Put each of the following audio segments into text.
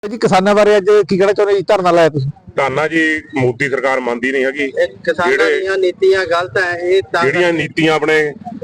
जी किसानों बारे अज की कहना चाਹੁंदे जी धरना लाया तुसीं ਧਾਨਾ ਜੀ ਮੋਦੀ ਸਰਕਾਰ ਮੰਨਦੀ ਨਹੀਂ ਹੈਗੀ। ਕਿਸਾਨਾਂ ਦੀਆਂ ਨੀਤੀਆਂ ਗਲਤ ਹੈ। ਇਹ ਤਾਂ ਜਿਹੜੀਆਂ ਨੀਤੀਆਂ ਆਪਣੇ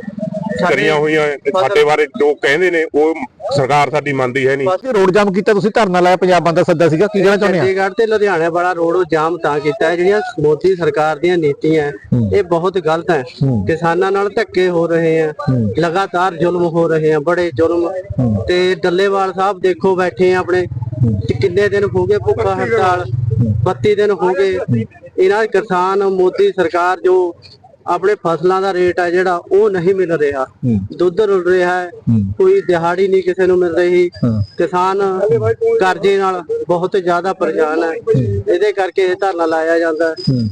ਕਰੀਆਂ ਹੋਈਆਂ ਸਾਡੇ ਬਾਰੇ ਜੋ ਕਹਿੰਦੇ ਨੇ ਉਹ ਸਰਕਾਰ ਸਾਡੀ ਮੰਨਦੀ ਹੈ ਨਹੀਂ। ਪਾਸੇ ਰੋਡ ਜਾਮ ਕੀਤਾ ਤੁਸੀਂ ਧਰਨਾ ਲਾਇਆ ਪੰਜਾਬ ਬੰਦ ਦਾ ਸੱਦਾ ਸੀਗਾ ਕੀ ਕਹਿਣਾ ਚਾਹੁੰਦੇ ਆ? ਚੰਡੀਗੜ੍ਹ ਤੇ ਲੁਧਿਆਣਾ ਵਾਲਾ ਰੋਡ ਜਾਮ ਤਾਂ ਕੀਤਾ ਹੈ ਜਿਹੜੀਆਂ ਮੋਦੀ ਸਰਕਾਰ ਦੀਆਂ ਨੀਤੀਆਂ ਇਹ ਬਹੁਤ ਗਲਤ ਹੈ। ਕਿਸਾਨਾਂ ਨਾਲ ਧੱਕੇ ਹੋ ਰਹੇ ਆ, ਲਗਾਤਾਰ ਜ਼ੁਲਮ ਹੋ ਰਹੇ ਆ, ਬੜੇ ਜ਼ੁਲਮ। ਤੇ ਡੱਲੇਵਾਲ ਸਾਹਿਬ ਦੇਖੋ ਬੈਠੇ ਆ ਆਪਣੇ ਕਿੰਨੇ ਦਿਨ ਹੋ ਗਏ ਭੁੱਖਾ ਹੜਤਾਲ, 32 ਦਿਨ ਹੋ ਗਏ। ਇਹਨਾਂ ਕਿਸਾਨ ਮੋਦੀ ਸਰਕਾਰ ਜੋ ਆਪਣੇ ਫਸਲਾਂ ਦਾ ਰੇਟ ਹੈ ਜਿਹੜਾ ਉਹ ਨਹੀਂ ਮਿਲ ਰਿਹਾ, ਦੁੱਧ ਰੁਲ ਰਿਹਾ ਹੈ, ਕੋਈ ਦਿਹਾੜੀ ਨਹੀਂ ਕਿਸੇ ਨੂੰ ਮਿਲ ਰਹੀ। ਕਿਸਾਨ ਕਰਜ਼ੇ ਨਾਲ ਬਹੁਤ ਜ਼ਿਆਦਾ ਪਰੇਸ਼ਾਨ ਹੈ। ਇਹਦੇ ਕਰਕੇ ਇਹ ਧਰਨਾ ਲਾਇਆ ਜਾਂਦਾ।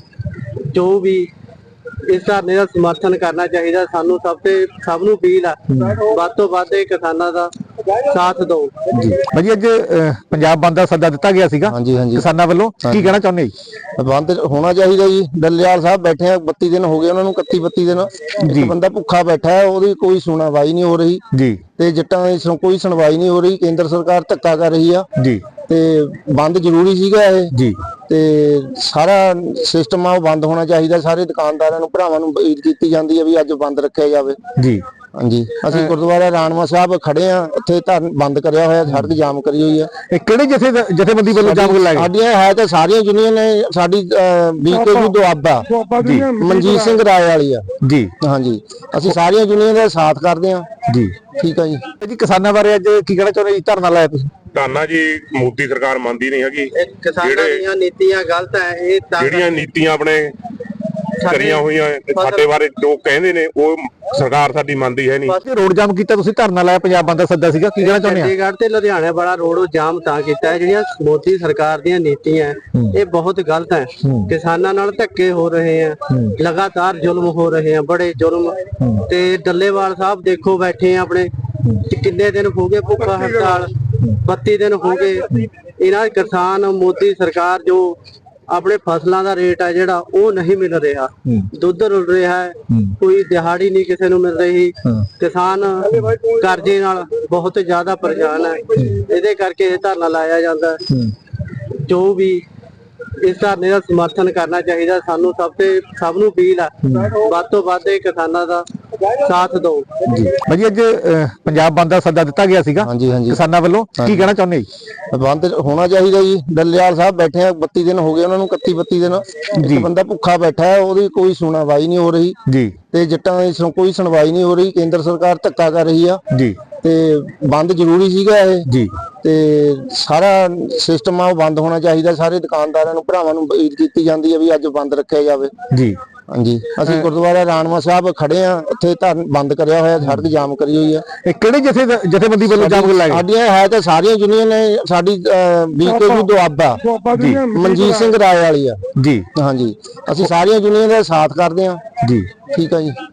ਜੋ ਵੀ ਇਸ ਧਰਨੇ ਦਾ ਸਮਰਥਨ ਕਰਨਾ ਚਾਹੀਦਾ। ਸਾਨੂੰ ਸਭ ਨੂੰ ਅਪੀਲ ਹੈ ਵੱਧ ਤੋਂ ਵੱਧ ਕਿਸਾਨਾਂ ਦਾ ਸਾਥ ਦਿਓ ਜੀ। ਭਾਜੀ ਅੱਜ ਪੰਜਾਬ ਬੰਦ ਦਾ ਸੱਦਾ ਦਿੱਤਾ ਗਿਆ ਸੀਗਾ ਕਿਸਾਨਾਂ ਵੱਲੋਂ, ਕੀ ਕਹਿਣਾ ਚਾਹੁੰਦੇ ਜੀ? ਬੰਦ ਹੋਣਾ ਚਾਹੀਦਾ ਜੀ। ਡੱਲੇਵਾਲ ਸਾਹਿਬ ਬੈਠੇ ਆ 32 ਦਿਨ ਹੋ ਗਏ ਉਹਨਾਂ ਨੂੰ, 31-32 ਦਿਨ ਇੱਕ ਬੰਦਾ ਭੁੱਖਾ ਬੈਠਾ ਹੈ, ਉਹਦੀ ਕੋਈ ਸੁਣਵਾਈ ਨਹੀਂ ਹੋ ਰਹੀ ਜੀ। ਤੇ ਜੱਟਾਂ ਦੀ ਕੋਈ ਸੁਣਵਾਈ ਨਹੀਂ ਹੋ ਰਹੀ। ਕੇਂਦਰ ਸਰਕਾਰ ਧੱਕਾ ਕਰ ਰਹੀ ਆ ਜੀ। ਤੇ ਬੰਦ ਜ਼ਰੂਰੀ ਸੀਗਾ ਇਹ ਜੀ। ਤੇ ਸਾਰਾ ਸਿਸਟਮ ਆ ਉਹ ਬੰਦ ਹੋਣਾ ਚਾਹੀਦਾ। ਸਾਰੇ ਦੁਕਾਨਦਾਰਾਂ ਨੂੰ ਭਰਾਵਾਂ ਨੂੰ ਅਪੀਲ ਕੀਤੀ ਜਾਂਦੀ ਹੈ ਵੀ ਅੱਜ ਬੰਦ ਰੱਖਿਆ ਜਾਵੇ ਜੀ। ਹਾਂਜੀ, ਅਸੀਂ ਗੁਰਦੁਆਰਾ ਰਾਣਵਾ ਸਾਹਿਬ ਖੜੇ ਆ, ਉੱਥੇ ਧਰਨ ਬੰਦ ਕਰਿਆ ਹੋਇਆ, ਸੜਕ ਜਾਮ ਕਰੀ ਹੋਈ ਆ। ਇਹ ਕਿਹੜੇ ਜਥੇਬੰਦੀ ਵੱਲੋਂ ਜਾਮ ਲਾਇਆ? ਸਾਡੀਆਂ ਹੈ ਤਾਂ ਸਾਰੀਆਂ ਯੂਨੀਅਨ ਨੇ। ਸਾਡੀ ਬੀਕੇਯੂ ਦੁਆਬਾ ਜੀ, ਮਨਜੀਤ ਸਿੰਘ ਰਾਏ ਵਾਲੀ ਆ ਜੀ। ਹਾਂਜੀ, ਅਸੀਂ ਸਾਰੀਆਂ ਯੂਨੀਅਨ ਦਾ ਸਾਥ ਕਰਦੇ ਆ ਜੀ। ਠੀਕ ਆ ਜੀ। ਜੀ ਕਿਸਾਨਾਂ ਬਾਰੇ ਅੱਜ ਕੀ ਕਹਿਣਾ ਚਾਹੁੰਦੇ ਜੀ ਧਰਨਾ ਲਾਇਆ ਤੁਸੀਂ? ਧਾਨਾ ਜੀ ਮੋਦੀ ਸਰਕਾਰ ਮੰਨਦੀ ਨਹੀਂ ਹੈਗੀ। ਕਿਸਾਨਾਂ ਦੀਆਂ ਨੀਤੀਆਂ ਗਲਤ ਹੈ। ਇਹ ਤਾਂ ਜਿਹੜੀਆਂ ਨੀਤੀਆਂ ਆਪਣੇ ਕਰੀਆਂ ਹੋਈਆਂ ਸਾਡੇ ਬਾਰੇ ਜੋ ਕਹਿੰਦੇ ਨੇ ਉਹ ਸਰਕਾਰ ਸਾਡੀ ਮੰਨਦੀ ਹੈ ਨਹੀਂ। ਪਾਸੇ ਰੋਡ ਜਾਮ ਕੀਤਾ ਤੁਸੀਂ ਧਰਨਾ ਲਾਇਆ ਪੰਜਾਬ ਬੰਦ ਦਾ ਸੱਦਾ ਸੀਗਾ ਕੀ ਕਹਿਣਾ ਚਾਹੁੰਦੇ ਆ? ਚੰਡੀਗੜ੍ਹ ਤੇ ਲੁਧਿਆਣਾ ਵਾਲਾ ਰੋਡ ਜਾਮ ਤਾਂ ਕੀਤਾ ਹੈ ਜਿਹੜੀਆਂ ਮੋਦੀ ਸਰਕਾਰ ਦੀਆਂ ਨੀਤੀਆਂ ਇਹ ਬਹੁਤ ਗਲਤ ਹੈ। ਕਿਸਾਨਾਂ ਨਾਲ ਧੱਕੇ ਹੋ ਰਹੇ ਆ, ਲਗਾਤਾਰ ਜ਼ੁਲਮ ਹੋ ਰਹੇ ਆ, ਬੜੇ ਜ਼ੁਲਮ। ਤੇ ਡੱਲੇਵਾਲ ਸਾਹਿਬ ਦੇਖੋ ਬੈਠੇ ਆ ਆਪਣੇ ਕਿੰਨੇ ਦਿਨ ਹੋ ਗਏ ਭੁੱਖਾ ਹੜਤਾਲ, 32 ਦਿਨ ਹੋ ਗਏ। ਇਹਨਾਂ ਕਿਸਾਨ ਮੋਦੀ ਸਰਕਾਰ ਜੋ ਆਪਣੇ ਫਸਲਾਂ ਦਾ ਰੇਟ ਹੈ ਜਿਹੜਾ ਉਹ ਨਹੀਂ ਮਿਲ ਰਿਹਾ, ਦੁੱਧ ਰੁਲ ਰਿਹਾ ਹੈ, ਕੋਈ ਦਿਹਾੜੀ ਨਹੀਂ ਕਿਸੇ ਨੂੰ ਮਿਲ ਰਹੀ। ਕਿਸਾਨ ਕਰਜ਼ੇ ਨਾਲ ਬਹੁਤ ਜ਼ਿਆਦਾ ਪਰੇਸ਼ਾਨ ਹੈ। ਇਹਦੇ ਕਰਕੇ ਇਹ ਧਰਨਾ ਲਾਇਆ ਜਾਂਦਾ। ਜੋ ਵੀ ਇਸ ਧਰਨੇ ਦਾ ਸਮਰਥਨ ਕਰਨਾ ਚਾਹੀਦਾ। ਸਾਨੂੰ ਸਭ ਨੂੰ ਅਪੀਲ ਹੈ ਵੱਧ ਤੋਂ ਵੱਧ ਕਿਸਾਨਾਂ ਦਾ ਸਾਥ ਦਿਓ ਜੀ। ਭਾਜੀ ਅੱਜ ਪੰਜਾਬ ਬੰਦ ਦਾ ਸੱਦਾ ਦਿੱਤਾ ਗਿਆ ਸੀਗਾ ਕਿਸਾਨਾਂ ਵੱਲੋਂ, ਕੀ ਕਹਿਣਾ ਚਾਹੁੰਦੇ ਜੀ? ਬੰਦ ਹੋਣਾ ਚਾਹੀਦਾ ਜੀ। ਡੱਲੇਵਾਲ ਸਾਹਿਬ ਬੈਠੇ ਆ 32 ਦਿਨ ਹੋ ਗਏ ਉਹਨਾਂ ਨੂੰ, 31-32 ਦਿਨ ਇੱਕ ਬੰਦਾ ਭੁੱਖਾ ਬੈਠਾ ਹੈ, ਉਹਦੀ ਕੋਈ ਸੁਣਵਾਈ ਨਹੀਂ ਹੋ ਰਹੀ ਜੀ। ਤੇ ਜੱਟਾਂ ਦੀ ਕੋਈ ਸੁਣਵਾਈ ਨਹੀਂ ਹੋ ਰਹੀ। ਕੇਂਦਰ ਸਰਕਾਰ ਧੱਕਾ ਕਰ ਰਹੀ ਆ ਜੀ। ਤੇ ਬੰਦ ਜ਼ਰੂਰੀ ਸੀਗਾ ਇਹ ਜੀ। ਤੇ ਸਾਰਾ ਸਿਸਟਮ ਆ ਉਹ ਬੰਦ ਹੋਣਾ ਚਾਹੀਦਾ। ਸਾਰੇ ਦੁਕਾਨਦਾਰਾਂ ਨੂੰ ਭਰਾਵਾਂ ਨੂੰ ਅਪੀਲ ਕੀਤੀ ਜਾਂਦੀ ਹੈ ਵੀ ਅੱਜ ਬੰਦ ਰੱਖਿਆ ਜਾਵੇ ਜੀ। ਹਾਂਜੀ, ਅਸੀਂ ਗੁਰਦੁਆਰਾ ਰਾਣਵਾ ਸਾਹਿਬ ਖੜੇ ਆ, ਉੱਥੇ ਧਰਨ ਬੰਦ ਕਰਿਆ ਹੋਇਆ, ਸੜਕ ਜਾਮ ਕਰੀ ਹੋਈ ਆ। ਇਹ ਕਿਹੜੇ ਜਥੇਬੰਦੀ ਵੱਲੋਂ ਜਾਮ ਲਾਇਆ? ਸਾਡੀਆਂ ਹੈ ਤਾਂ ਸਾਰੀਆਂ ਯੂਨੀਅਨ ਨੇ। ਸਾਡੀ ਬੀਕੇਯੂ ਦੁਆਬਾ ਮਨਜੀਤ ਸਿੰਘ ਰਾਏ ਵਾਲੀ ਆ ਜੀ। ਹਾਂਜੀ, ਅਸੀਂ ਸਾਰੀਆਂ ਯੂਨੀਅਨ ਦਾ ਸਾਥ ਕਰਦੇ ਆ ਜੀ। ਠੀਕ ਆ ਜੀ।